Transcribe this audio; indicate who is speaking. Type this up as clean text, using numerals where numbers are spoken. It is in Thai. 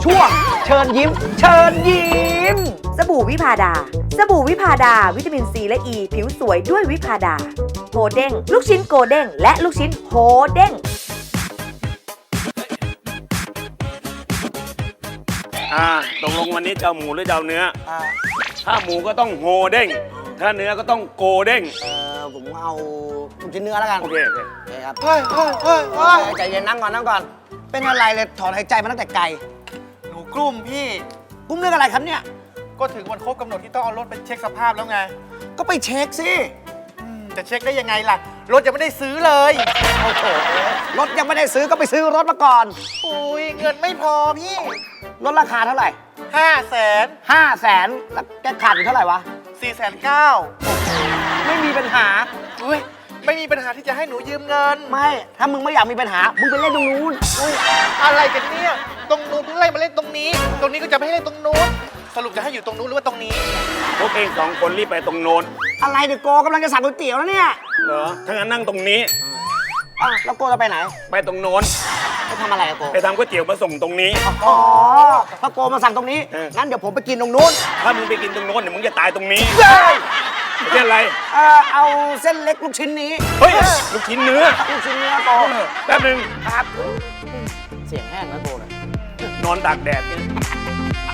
Speaker 1: ช่วงเชิญยิ้ม เชิญยิ้ม
Speaker 2: สบู่วิพาดา สบู่วิพาดา วิตามินซีและอ e, ีผิวสวยด้วยวิพาดาโฮเด้งลูกชิ้นโกเด้งและลูกชิ้นโฮเด้ง
Speaker 3: ตกลงวันนี้จะเอาหมูหรือจะเอาเนื้อถ้าหมูก็ต้องโฮเด้งถ้าเนื้อก็ต้องโกเด้ง
Speaker 1: ผมเอาลูกชิ้นเนื้อแล้วกัน
Speaker 3: โอเค
Speaker 1: โอเคครับ
Speaker 4: เฮ้ย
Speaker 1: ใจเย็นนั่งก่อนนั่งก่อน เป็นอะไรเลยถอนหายใจมาตั้งแต่ไกล
Speaker 4: หนูกลุ้มพี่
Speaker 1: กุ้มเรื่องอะไรครับเนี่ย
Speaker 4: ก็ถึงวันครบกำหนดที่ต้องเอารถไปเช็คสภาพแล้วไง
Speaker 1: ก็ไปเช็คสิ
Speaker 4: จะเช็คได้ยังไงล่ะ รถยังไม่ได้ซื้อเลย
Speaker 1: โอ้โหรถยังไม่ได้ซื้อก็ไปซื้อรถมาก่อน
Speaker 4: อุ้ยเงินไม่พอพี่
Speaker 1: รถราคาเท่าไหร่
Speaker 4: 500,000
Speaker 1: 500,000แล้วแกขาดอยู่เท่าไหร่วะ
Speaker 4: 490,000
Speaker 1: ไม่มีปัญหา
Speaker 4: อุ้ยไม่มีปัญหาที่จะให้หนูยืมเงิน
Speaker 1: ไม่ ถ้ามึงไม่อยากมีปัญหา มึงไปเล่นตรงนู้น
Speaker 4: อุ้ยอะไรกันเนี่ย ตรงนู้นเพิ่งไล่มาเล่นตรงนี้ ตรงนี้ก็จะไม่ให้เล่นตรงนู้น สรุปจะให้อยู่ตรงนู้นหรือว่าตรงนี้
Speaker 3: พวกเอง2 คนรีบไปตรงโน้น
Speaker 1: อะไรเดี๋ยวโกกำลังจะสั่งก๋วยเตี๋ยวแล้วเนี่ย
Speaker 3: เหรอถ้างั้นนั่งตรงนี้
Speaker 1: อ้าวแล้วโกจะไปไหน
Speaker 3: ไปตรงโน้น
Speaker 1: ไปทำอะไรอะโก
Speaker 3: ไปทำก๋วยเตี๋ยวมาส่งตรงนี้
Speaker 1: อ๋อถ้าโกมาสั่งตรงนี้ งั้นเดี๋ยวผมไปกินตรงนู้น
Speaker 3: ถ้ามึงไปกินตรงโน้นเดี๋ยวมึงจะตายตรงนี้ไม่ใช่อะไร
Speaker 1: เอาเส้นเล็กลูกชิ้นนี้
Speaker 3: เฮ้ยลูกชิ้นเนื้อ
Speaker 1: ลูกชิ้นเนื้อโก
Speaker 3: แป๊บนึง
Speaker 1: ครับ เสียงแห้งนะโกเลย
Speaker 3: นอนตากแดดเนี่ย